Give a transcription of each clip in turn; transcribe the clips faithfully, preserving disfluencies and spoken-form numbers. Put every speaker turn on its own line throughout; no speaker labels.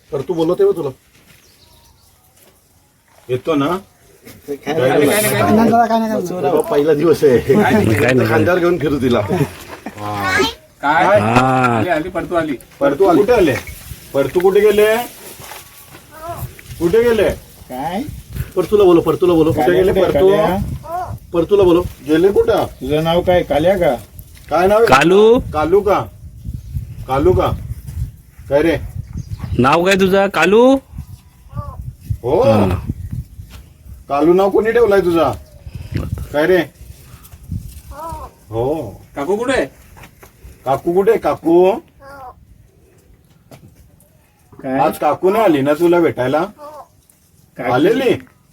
तर तू बोलवते हो तुला येतो ना पहिला दिवस आहे खांद्यावर घेऊन फिरू तिला
काय आली परतू आली
परतू कुठे आले परतू कुठे गेले कुठे गेले
काय
परतूला बोलो परतूला बोलो कुठे गेले परतू परतूला बोलो गेले कुठं
तुझं नाव काय काल्या का
काय नाव
कालू
कालू का कालू का काय रे
नाव काय तुझं कालू
हो कालू नाव कोणी ठेवलाय तुझा काय रे हो
काकू कुठे
काकू कुठे काकू
काय
आज काकू नाही आली ना तुला भेटायला
काय?
आलेली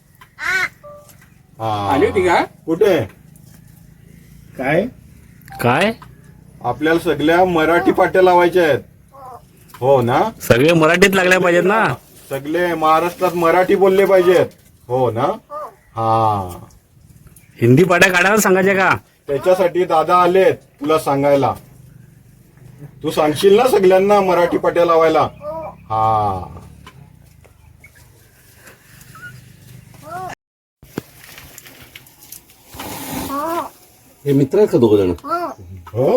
आली होती का
कुठे
काय
काय
आपल्याला सगळ्या मराठी पाट्या लावायच्या आहेत हो ना
सगळे मराठीत लागल्या पाहिजेत ना
सगळे महाराष्ट्रात मराठी बोलले पाहिजेत हो ना हा
हिंदी पाड्या काढायला सांगायच्या का
त्याच्यासाठी दादा आलेत तुला सांगायला तू सांगशील ना सगळ्यांना मराठी पाट्या लावायला हा हे मित्र आहेत का दोघ जण हो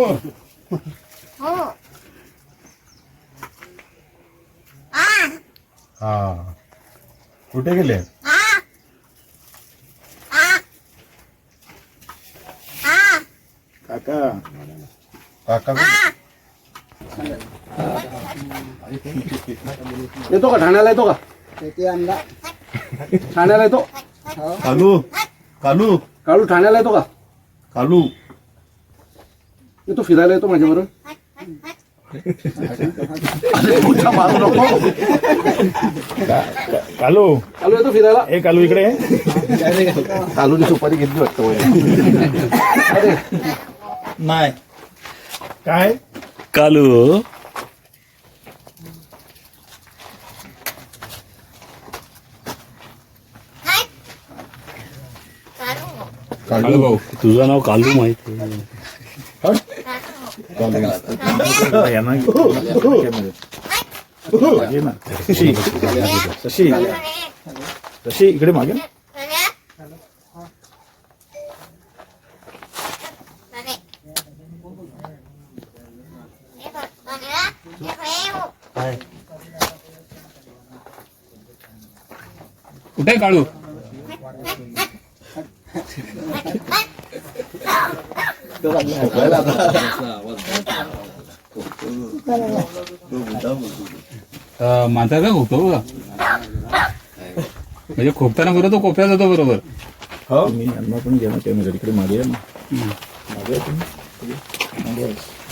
हा कुठे गेले
काका
काका येतो का ठाण्याला येतो का ठाण्याला येतो कालू कालू कालू ठाण्याला येतो का कालू येतो फिरायला येतो माझ्या बरोबर मारू नको
कालू
कालू येतो फिरायला
ए कालू इकडे
कालूने सुपारी घेतली वाटतं अरे
नाही काय
कालू
कालू भाऊ
तुझं नाव कालू माहिती
शशी शशी इकडे मागे
कुठे काढू माझा का खोकतो बघा म्हणजे खोकताना बरोबर तो कोपऱ्यात जातो बरोबर
हो मी यांना पण घेणार कॅमेरा इकडे मागे या ना मागे या तुम्ही. मागे या.